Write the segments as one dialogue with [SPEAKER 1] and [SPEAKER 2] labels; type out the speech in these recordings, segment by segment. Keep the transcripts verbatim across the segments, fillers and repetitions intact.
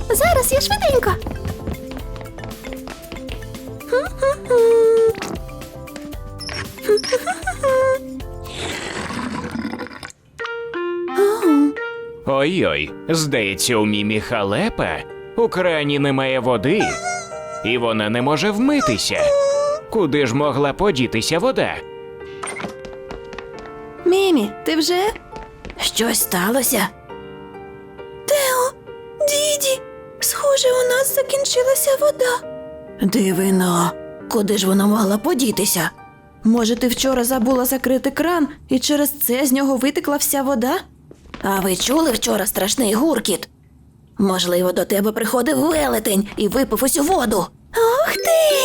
[SPEAKER 1] зараз я швиденько.
[SPEAKER 2] Ой-ой, здається, у Мімі халепа. У крані немає води, і вона не може вмитися. Куди ж могла подітися вода?
[SPEAKER 1] Мімі, ти вже?
[SPEAKER 3] Щось сталося?
[SPEAKER 1] Тео, Діді, схоже, у нас закінчилася вода.
[SPEAKER 3] Дивино, куди ж вона могла подітися?
[SPEAKER 1] Може, ти вчора забула закрити кран, і через це з нього витекла вся вода?
[SPEAKER 3] А ви чули вчора страшний гуркіт? Можливо, до тебе приходив велетень і випив усю воду.
[SPEAKER 1] Ох ти!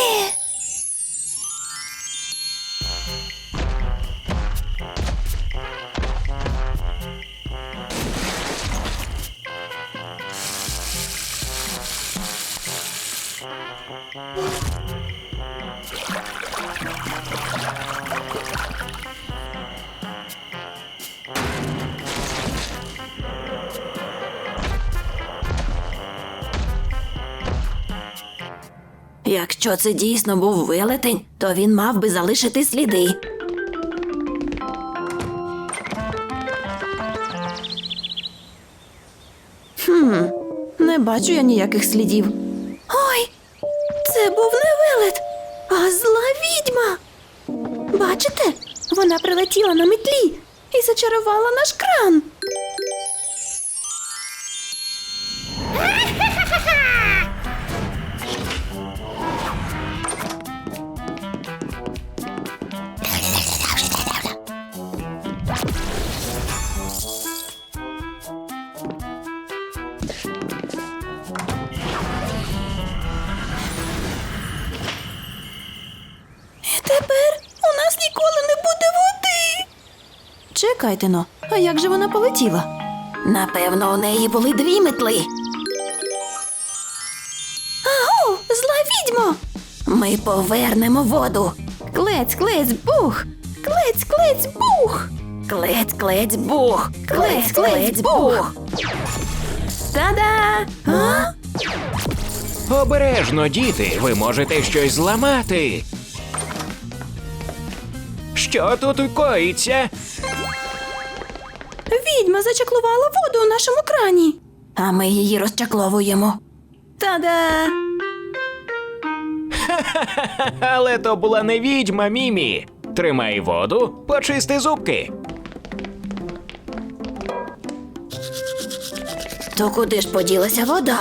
[SPEAKER 3] Якщо це дійсно був велетень, то він мав би залишити сліди.
[SPEAKER 1] Хм, не бачу я ніяких слідів. Ой, це був не велет, а зла відьма. Бачите? Вона прилетіла на метлі і зачарувала наш кран. Тепер у нас ніколи не буде води. Чекайте но, а як же вона полетіла?
[SPEAKER 3] Напевно, у неї були дві метли.
[SPEAKER 1] Аго, зла відьмо!
[SPEAKER 3] Ми повернемо воду.
[SPEAKER 1] Клець, клець, бух! Клець, клець, бух!
[SPEAKER 3] Клець, клець, бух! Клець, клець, бух!
[SPEAKER 1] Та-да! А?
[SPEAKER 2] Обережно, діти, ви можете щось зламати. Що тут коїться?
[SPEAKER 1] Відьма зачаклувала воду у нашому крані.
[SPEAKER 3] А ми її розчакловуємо.
[SPEAKER 1] Та-да!
[SPEAKER 2] Але то була не відьма, Мімі. Тримай воду, почисти зубки.
[SPEAKER 3] То куди ж поділася вода?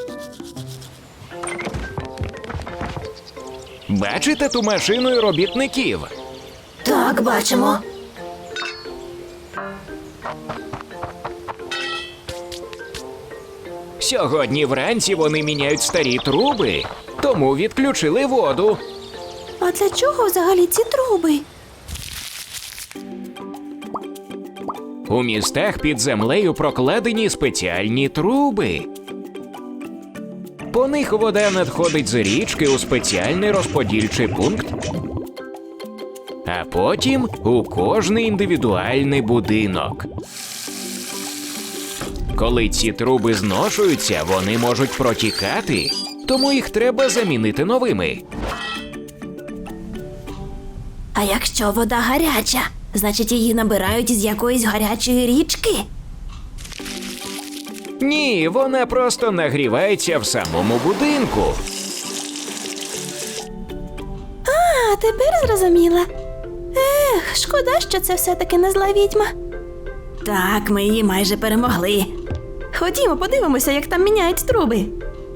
[SPEAKER 2] Бачите ту машину і робітників?
[SPEAKER 3] Так, бачимо.
[SPEAKER 2] Сьогодні вранці вони міняють старі труби, тому відключили воду.
[SPEAKER 1] А для чого взагалі ці труби?
[SPEAKER 2] У містах під землею прокладені спеціальні труби. По них вода надходить з річки у спеціальний розподільчий пункт, а потім у кожний індивідуальний будинок. Коли ці труби зношуються, вони можуть протікати, тому їх треба замінити новими.
[SPEAKER 3] А якщо вода гаряча, значить її набирають з якоїсь гарячої річки?
[SPEAKER 2] Ні, вона просто нагрівається в самому будинку.
[SPEAKER 1] А, тепер зрозуміла. Ех, шкода, що це все-таки не зла відьма.
[SPEAKER 3] Так, ми її майже перемогли.
[SPEAKER 1] Ходімо, подивимося, як там міняють труби.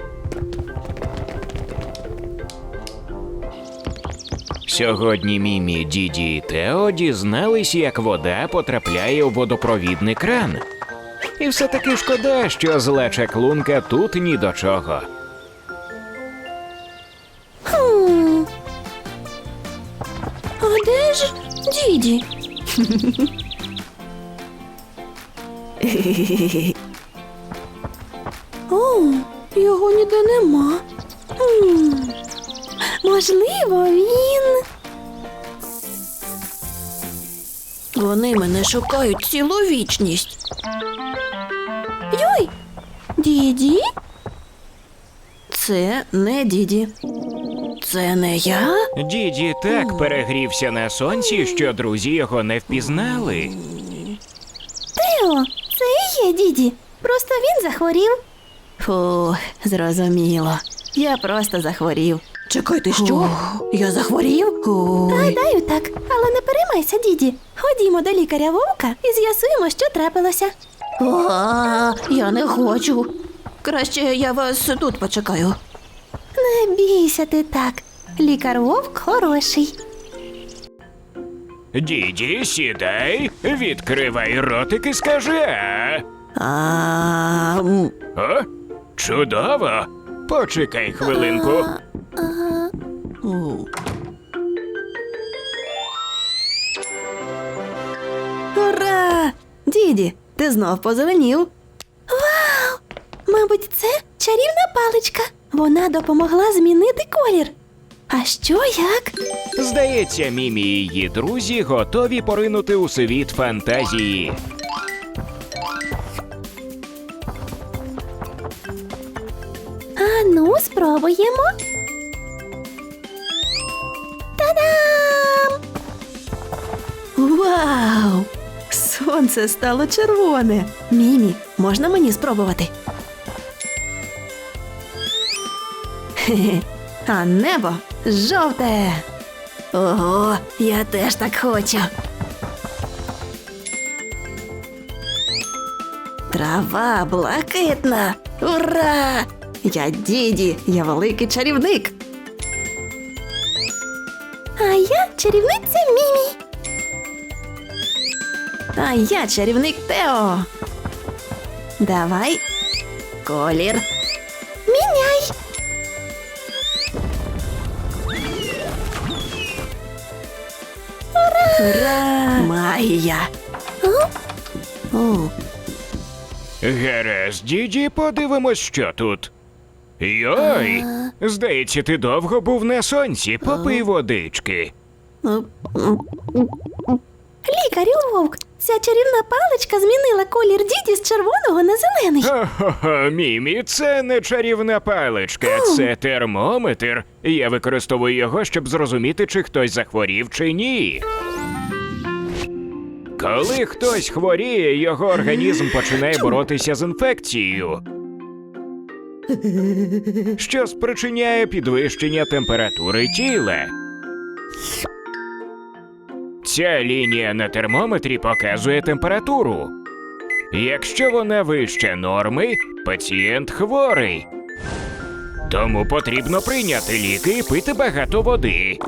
[SPEAKER 2] Сьогодні Мімі, Діді і Тео дізнались, як вода потрапляє у водопровідний кран. І все-таки шкода, що зла чаклунка тут ні до чого.
[SPEAKER 1] Хм. А де ж Діді? О, його ніде нема. Хм. Можливо, він...
[SPEAKER 3] Вони мене шукають цілу вічність.
[SPEAKER 1] Йой! Діді? Це не Діді. Це не я?
[SPEAKER 2] Діді так перегрівся на сонці, що друзі його не впізнали.
[SPEAKER 1] Тео, це і є Діді. Просто він захворів. Фу, зрозуміло. Я просто захворів. Чекайте, що? Я захворів? Гадаю, так. Але не переймайся, Діді. Ходімо до лікаря Вовка і з'ясуємо, що трапилося. О, я не хочу. Краще я вас тут почекаю. Не бійся ти так. Лікар Вовк хороший.
[SPEAKER 2] Діді, сідай, відкривай ротик і скажи «а».
[SPEAKER 1] А, м,
[SPEAKER 2] О, чудово! Почекай хвилинку.
[SPEAKER 1] у. Ура! Діді, ти знов позеленів. Вау! Мабуть, це чарівна паличка. Вона допомогла змінити колір. А що як?
[SPEAKER 2] Здається, Мімі і її друзі готові поринути у світ фантазії.
[SPEAKER 1] А ну, спробуємо. Та-дам! Вау! Сонце стало червоне. Мімі, можна мені спробувати? Хе-хе. А небо жовте. Ого, я теж так хочу. Трава блакитна. Ура! Я Діді, я великий чарівник. А я чарівниця Мімі. А я чарівник Тео. Давай. Колір. Міняй. Ура! Ура! Магія. О.
[SPEAKER 2] Гаразд, Діді, подивимось, що тут. Йой! Здається, ти довго був на сонці, попий водички.
[SPEAKER 1] Лікарю Вовк, ця чарівна паличка змінила колір Діді з червоного на зелений.
[SPEAKER 2] Хо-хо-хо, Мімі, це не чарівна паличка, це термометр. Я використовую його, щоб зрозуміти, чи хтось захворів, чи ні. Коли хтось хворіє, його організм починає боротися з інфекцією, що спричиняє підвищення температури тіла. Ця лінія на термометрі показує температуру. Якщо вона вище норми, пацієнт хворий. Тому потрібно прийняти ліки і пити багато води.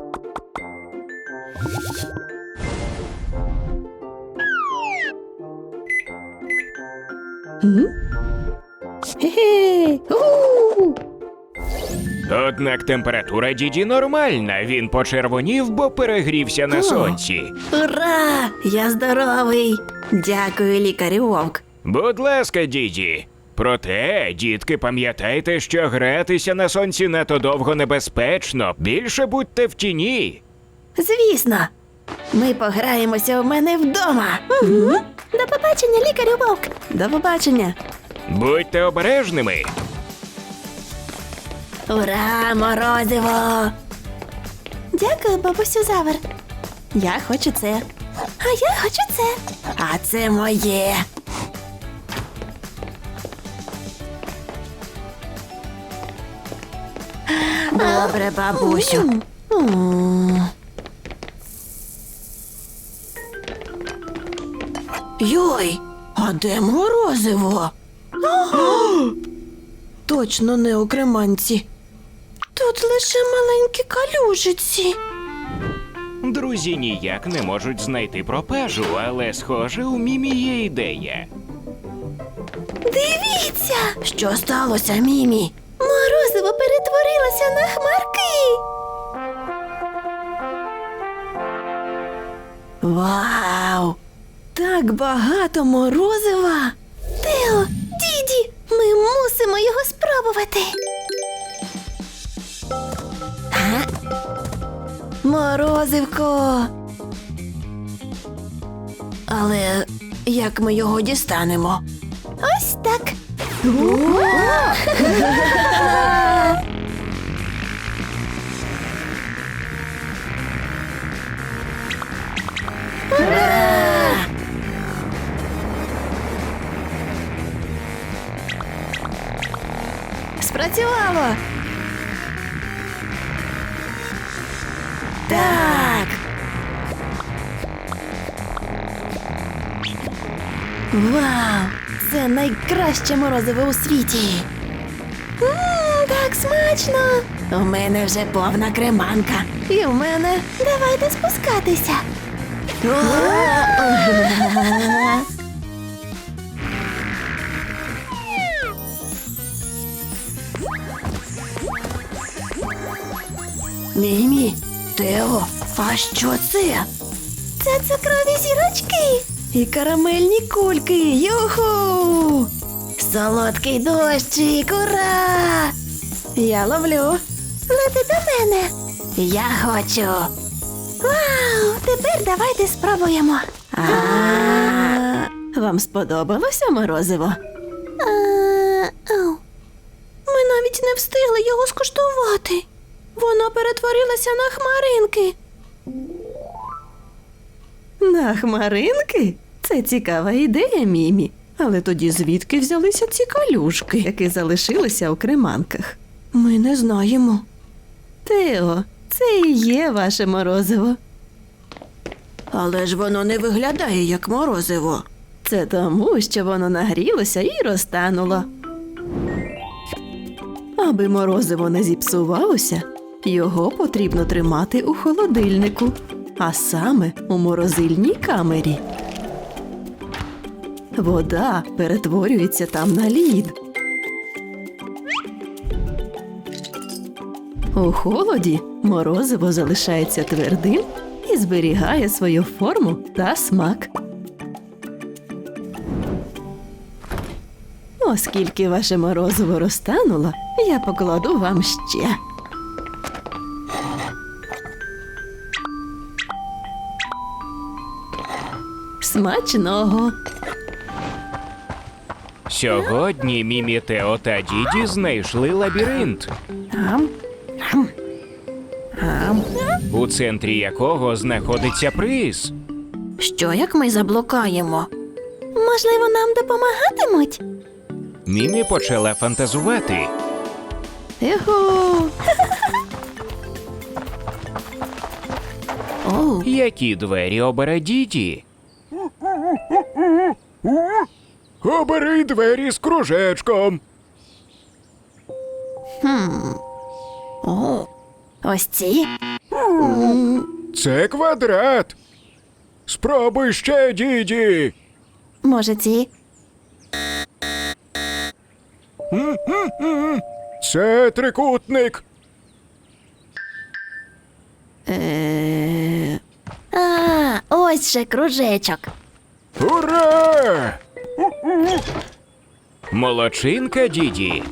[SPEAKER 1] Хе-хе. У.
[SPEAKER 2] Однак температура Діді нормальна, він почервонів, бо перегрівся на сонці.
[SPEAKER 1] Ура! Я здоровий. Дякую, лікарю Вовк.
[SPEAKER 2] Будь ласка, Діді. Проте, дітки, пам'ятайте, що гратися на сонці надто довго небезпечно. Більше будьте в тіні.
[SPEAKER 1] Звісно. Ми пограємося у мене вдома. Угу. До побачення, лікарю Вовк. До побачення.
[SPEAKER 2] Будьте обережними.
[SPEAKER 1] Ура, морозиво! Дякую, бабусю Завер. Я хочу це. А я хочу це. А це моє. Добре, бабусю. М. Йой, а де морозиво? Точно не у креманці. Тут лише маленькі калюжиці.
[SPEAKER 2] Друзі ніяк не можуть знайти пропажу, але, схоже, у Мімі є ідея.
[SPEAKER 1] Дивіться! Що сталося, Мімі? Морозиво перетворилося на хмарки. Вау! Так багато морозива! Тео, Діді, ми мусимо його спробувати. А? Морозивко. Але як ми його дістанемо? Ось так. Спрацювало! Так! Вау! Це найкраще морозиво у світі! Ммм, так смачно! У мене вже повна креманка. І в мене. Давайте спускатися. Мімі, Тео, а що це? Це цукрові зірочки. І карамельні кульки. Юху! Солодкий дощик, ура! Я ловлю. Лети до мене. Я хочу. Вау! Тепер давайте спробуємо. А, вам сподобалося морозиво? Ми навіть не встигли його скуштувати. Воно перетворилося на хмаринки. На хмаринки? Це цікава ідея, Мімі. Але тоді звідки взялися ці калюшки, які залишилися у креманках? Ми не знаємо. Тео, це і є ваше морозиво. Але ж воно не виглядає як морозиво. Це тому, що воно нагрілося і розтануло. Аби морозиво не зіпсувалося, його потрібно тримати у холодильнику, а саме у морозильній камері. Вода перетворюється там на лід. У холоді морозиво залишається твердим і зберігає свою форму та смак. Оскільки ваше морозиво розтануло, я покладу вам ще. Смачного!
[SPEAKER 2] Сьогодні Мімі, Тео та Діді знайшли лабіринт,
[SPEAKER 1] Ам, ам, ам.
[SPEAKER 2] у центрі якого знаходиться приз.
[SPEAKER 3] Що як ми заблукаємо?
[SPEAKER 1] Можливо, нам допомагатимуть?
[SPEAKER 2] Мімі почала фантазувати.
[SPEAKER 1] Ехо! Оу,
[SPEAKER 2] Які двері обере Діді? Обери двері з кружечком.
[SPEAKER 1] о, ось ці?
[SPEAKER 2] Це квадрат. Спробуй ще, Діді.
[SPEAKER 1] Може, ці?
[SPEAKER 2] Це трикутник.
[SPEAKER 1] Е... А, ось же кружечок.
[SPEAKER 2] Ура! Молодчинка, Діді.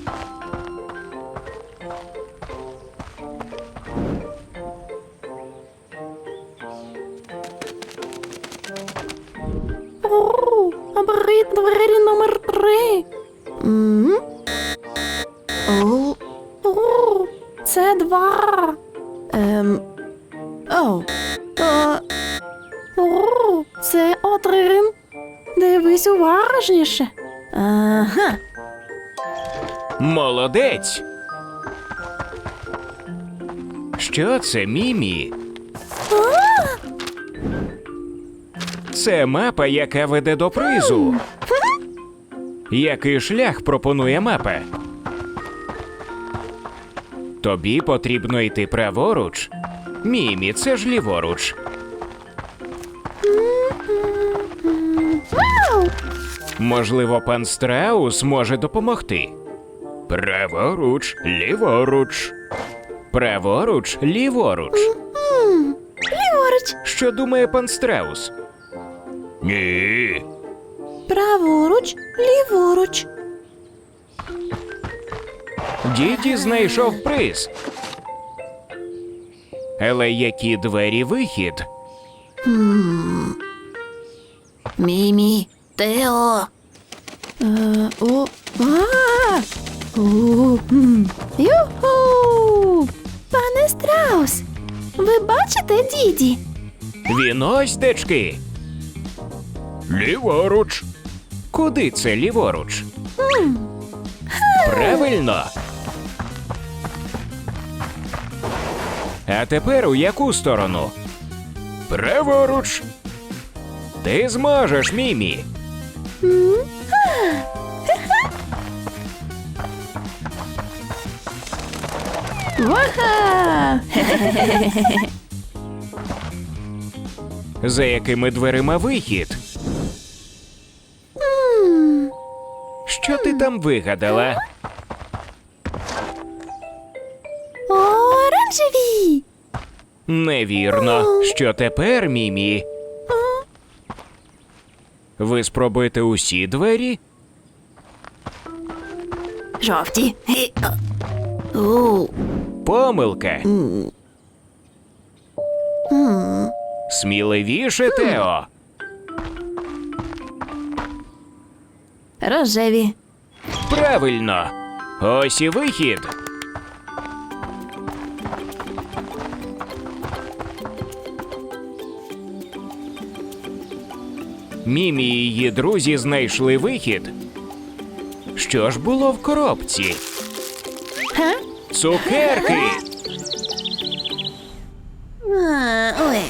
[SPEAKER 1] О, обери двері номер три. М? О, о, це два. Ем, о, о, о, це один. Дивись уважніше. Ага.
[SPEAKER 2] Молодець. Що це, Мімі? Це мапа, яка веде до призу. Який шлях пропонує мапа? Тобі потрібно йти праворуч. Мімі, це ж ліворуч.
[SPEAKER 1] Вау!
[SPEAKER 2] Можливо, пан Страус може допомогти. Праворуч, ліворуч. Праворуч, ліворуч.
[SPEAKER 1] М, Ліворуч,
[SPEAKER 2] Що думає пан Страус? Ні.
[SPEAKER 1] праворуч, ліворуч.
[SPEAKER 2] Діді знайшов приз. Але які двері вихід?
[SPEAKER 3] Мімі, Тео.
[SPEAKER 1] Е, о, а, о, м. Юху! Пане Страус, ви бачите Діді?
[SPEAKER 2] Він ось дечки. Ліворуч. Куди це ліворуч? Правильно. А тепер у яку сторону? Праворуч. Ти зможеш, Мімі.
[SPEAKER 1] Ваха!
[SPEAKER 2] За якими дверима вихід? Що ти там вигадала?
[SPEAKER 1] Оранжеві!
[SPEAKER 2] Невірно. Що тепер, Мімі? Ви спробуєте усі двері?
[SPEAKER 1] Жовті. У.
[SPEAKER 2] Помилка. Сміливіше, Тео.
[SPEAKER 1] Рожеві.
[SPEAKER 2] Правильно. Ось і вихід. Мімі і її друзі знайшли вихід. Що ж було в коробці?
[SPEAKER 1] Га?
[SPEAKER 2] Цукерки!
[SPEAKER 1] А, ой.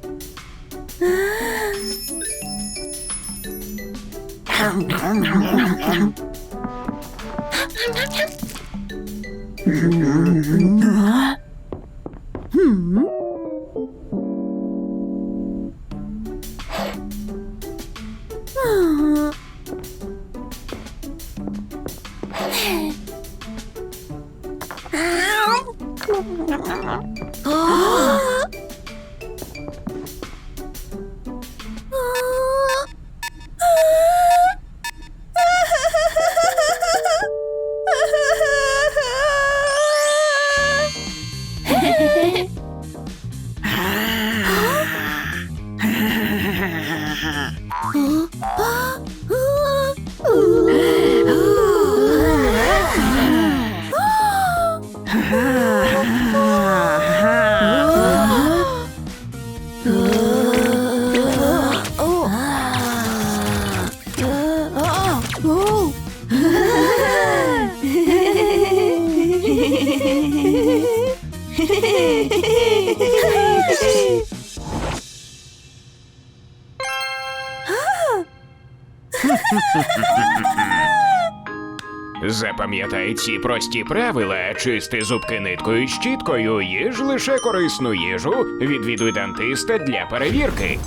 [SPEAKER 2] Запам'ятай ці прості правила. Чисти зубки ниткою і щіткою, їж лише корисну їжу, відвідуй дантиста для перевірки.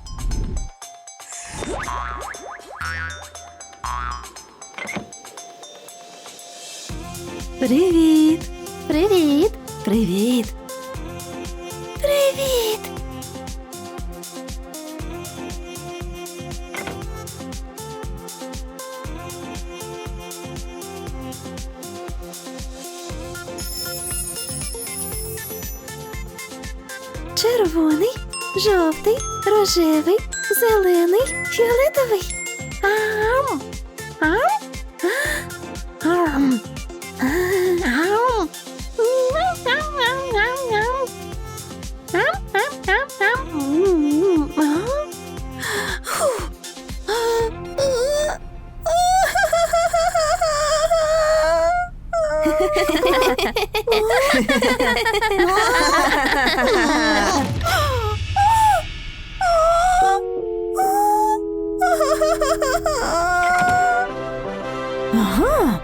[SPEAKER 1] Привіт! Привіт! Привіт! Привіт! Червоний, жовтий, рожевий, зелений, фіолетовий. Ам! Ам! Ам! Ам! Ага.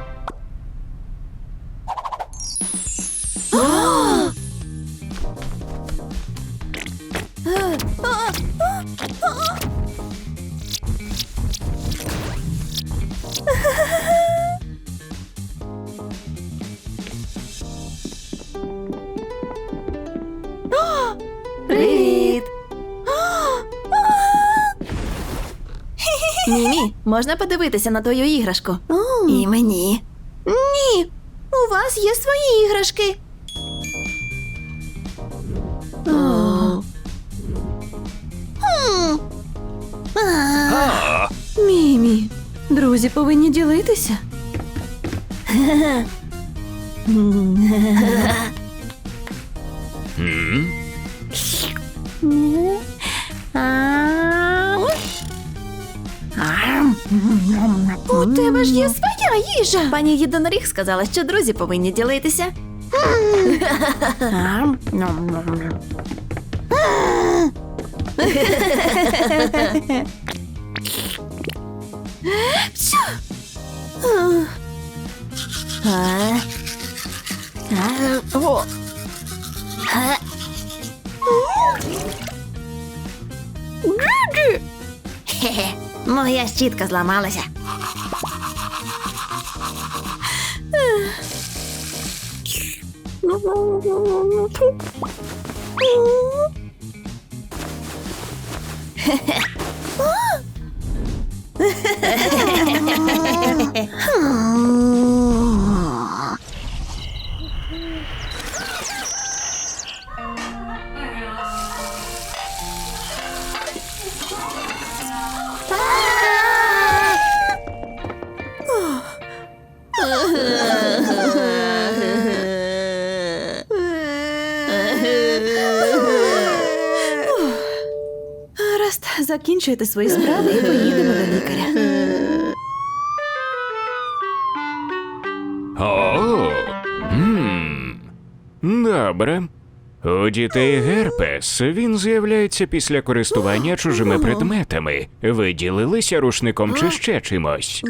[SPEAKER 1] Привіт! Мімі, можна подивитися на твою іграшку? І мені. Ні, у вас є свої іграшки. О. Хм. А. Мімі, друзі повинні ділитися.
[SPEAKER 2] М?
[SPEAKER 1] У тебе ж є своя їжа. Пані Єдиноріг сказала, що друзі повинні ділитися. Ам, ням-ням-ням.
[SPEAKER 3] А? А? О. А? Хе-хе, моя щітка зламалася.
[SPEAKER 1] Гаразд, закінчуйте свої справи і поїдемо до лікаря.
[SPEAKER 2] О, м, добре. У дітей герпес він з'являється після користування чужими предметами. Ви ділилися рушником чи ще чимось?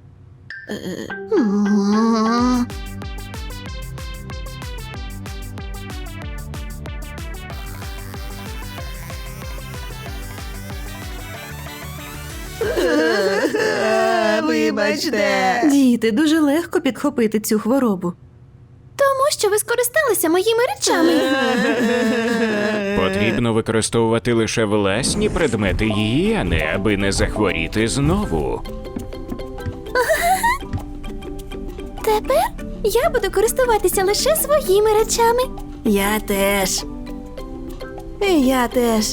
[SPEAKER 1] Вибачте. Діти, дуже легко підхопити цю хворобу.
[SPEAKER 3] Тому що ви скористалися моїми речами.
[SPEAKER 2] Потрібно використовувати лише власні предмети гігієни, аби не захворіти знову.
[SPEAKER 3] Тепер я буду користуватися лише своїми речами.
[SPEAKER 1] Я теж. І я теж.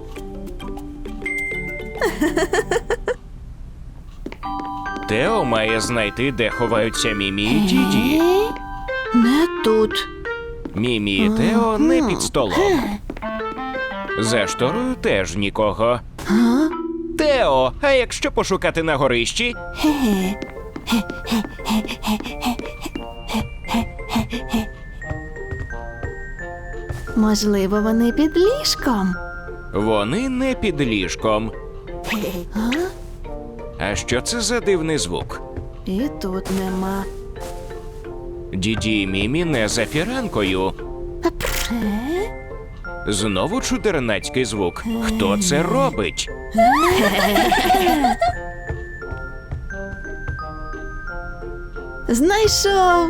[SPEAKER 2] Тео має знайти, де ховаються Мімі і Діді.
[SPEAKER 1] Не тут.
[SPEAKER 2] Мімі і Тео не під столом. За шторою теж нікого. Тео, а якщо пошукати на горищі?
[SPEAKER 1] Можливо, вони під ліжком.
[SPEAKER 2] Вони не під ліжком. А що це за дивний звук?
[SPEAKER 1] І тут нема.
[SPEAKER 2] Діді і Мімі не за фіранкою. Знову чудернацький звук. Хто це робить?
[SPEAKER 1] Знайшов.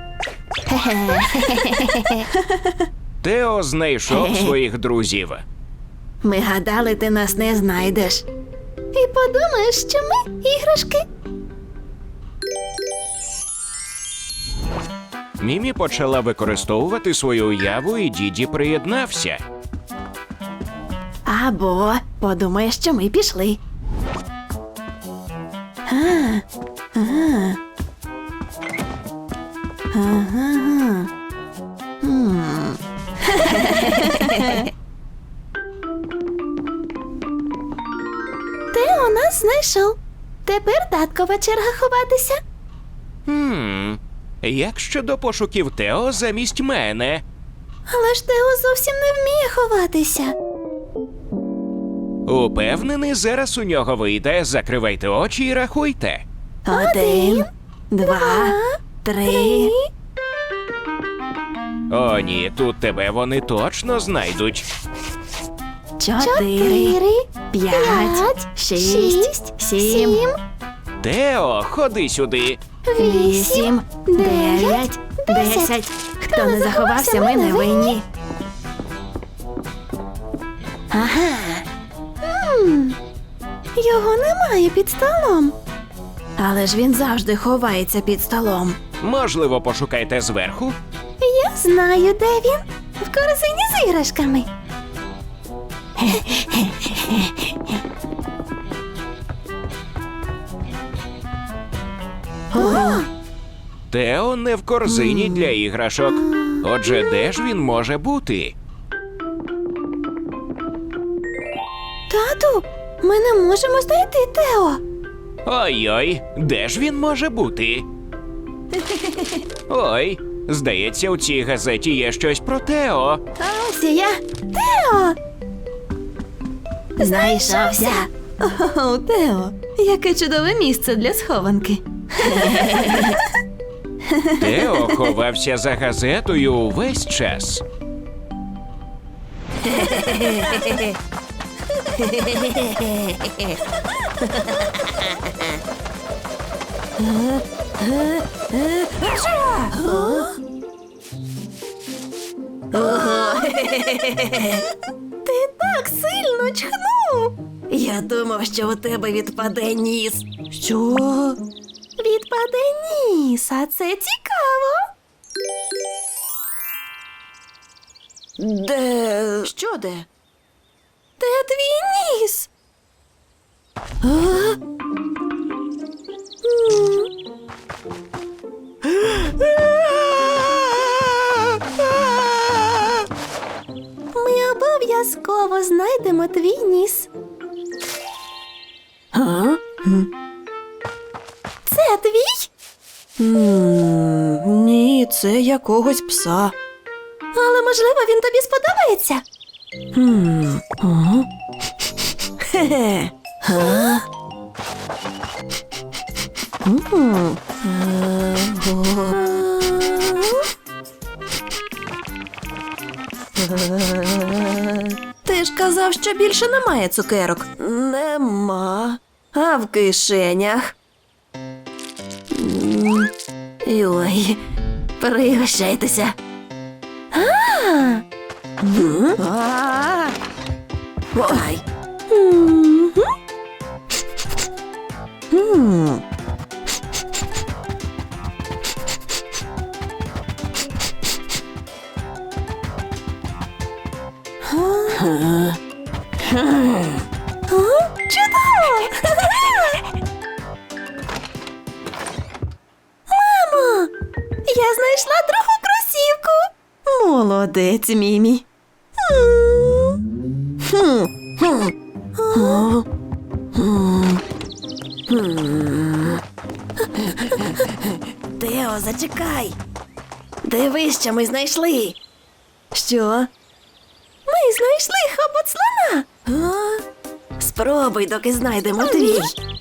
[SPEAKER 2] Тео знайшов своїх друзів.
[SPEAKER 1] Ми гадали, ти нас не знайдеш. І подумаєш, що ми іграшки.
[SPEAKER 2] Мімі почала використовувати свою уяву, і Діді приєднався.
[SPEAKER 1] Або подумаєш, що ми пішли. А, а. Ага. М.
[SPEAKER 3] Тео нас знайшов. Тепер таткова черга ховатися.
[SPEAKER 2] Хм, як щодо пошуків Тео замість мене?
[SPEAKER 3] Але ж Тео зовсім не вміє ховатися.
[SPEAKER 2] Упевнений, зараз у нього вийде. Закривайте очі і рахуйте.
[SPEAKER 1] Один, два, три.
[SPEAKER 2] О, ні, тут тебе вони точно знайдуть.
[SPEAKER 1] Чотири, п'ять, шість, сім,
[SPEAKER 2] Тео, ходи сюди.
[SPEAKER 1] вісім, дев'ять, десять. Хто не заховався, ми не винні. Ага.
[SPEAKER 3] Його немає під столом.
[SPEAKER 1] Але ж він завжди ховається під столом.
[SPEAKER 2] Можливо, пошукайте зверху?
[SPEAKER 3] Я знаю, де він. В корзині з іграшками.
[SPEAKER 1] О,
[SPEAKER 2] Тео не в корзині для іграшок. Отже, де ж він може бути?
[SPEAKER 3] Тату, ми не можемо знайти Тео.
[SPEAKER 2] Ой-ой, де ж він може бути? Ой, Здається, у цій газеті є щось про Тео.
[SPEAKER 1] А ось і я. Тео!
[SPEAKER 3] Знайшовся.
[SPEAKER 1] О, Тео, яке чудове місце для схованки.
[SPEAKER 2] Тео ховався за газетою увесь час.
[SPEAKER 1] Ти так сильно чхнув.
[SPEAKER 3] Я думав, що у тебе відпаде ніс.
[SPEAKER 1] Що? Відпаде ніс, а це цікаво.
[SPEAKER 3] Де?
[SPEAKER 1] Що де? Де твій ніс? А? М. Ми обов'язково знайдемо твій ніс.
[SPEAKER 3] А?
[SPEAKER 1] Це твій?
[SPEAKER 3] Ні, це якогось пса.
[SPEAKER 1] Але, можливо, він тобі сподобається.
[SPEAKER 3] Хм. Ага. Хе-хе. А? М. Е, о.
[SPEAKER 1] Ти ж казав, що більше немає цукерок.
[SPEAKER 3] Нема. А в кишенях? М. Ой, пригощайтеся. М?
[SPEAKER 1] А.
[SPEAKER 3] Ой.
[SPEAKER 1] Мгм.
[SPEAKER 3] М. Га.
[SPEAKER 1] Чудово! Мамо, я знайшла другу кросівку. Молодець, Мімі.
[SPEAKER 3] Хм. Хм. О. М. М. Тео, зачекай. Дивись, що ми знайшли.
[SPEAKER 1] Що? Ми знайшли хобот слона.
[SPEAKER 3] А? Спробуй, доки знайдемо твій.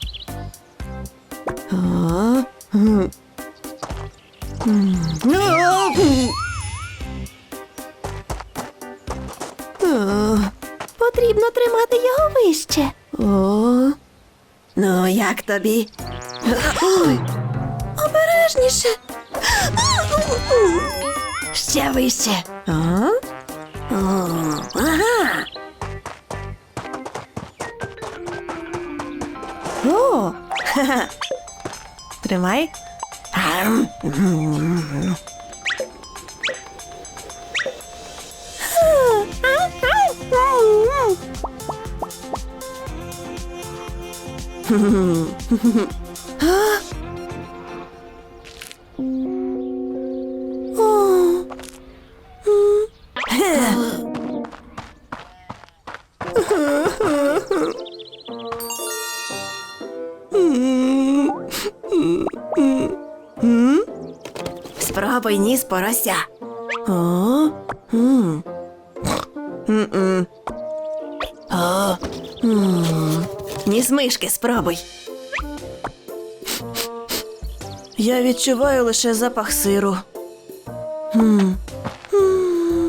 [SPEAKER 1] А? М. М.
[SPEAKER 3] А, м.
[SPEAKER 1] О, потрібно тримати його вище.
[SPEAKER 3] О. Ну, як тобі?
[SPEAKER 1] Ой, обережніше.
[SPEAKER 3] Ще вище.
[SPEAKER 1] А?
[SPEAKER 3] О, ага.
[SPEAKER 1] О, ха-ха. Тримай.
[SPEAKER 3] Ам.
[SPEAKER 1] О.
[SPEAKER 3] Спробуй ніс порося.
[SPEAKER 1] О. М.
[SPEAKER 3] М-м. О. М. Ніс мишки спробуй.
[SPEAKER 1] Я відчуваю лише запах сиру. М. М.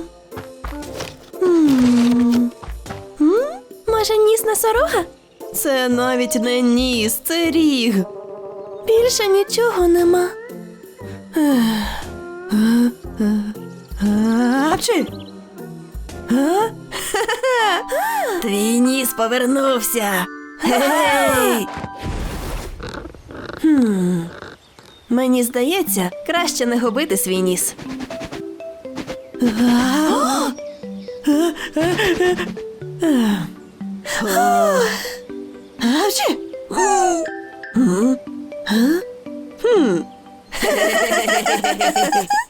[SPEAKER 1] М. М? Може, ніс носорога? Це навіть не ніс, це ріг. Більше нічого нема. Апчі! А?
[SPEAKER 3] Твій ніс повернувся. Гей!
[SPEAKER 1] Хм. Мені здається, краще не губити свій ніс. Апчі!
[SPEAKER 3] М?
[SPEAKER 1] Хм.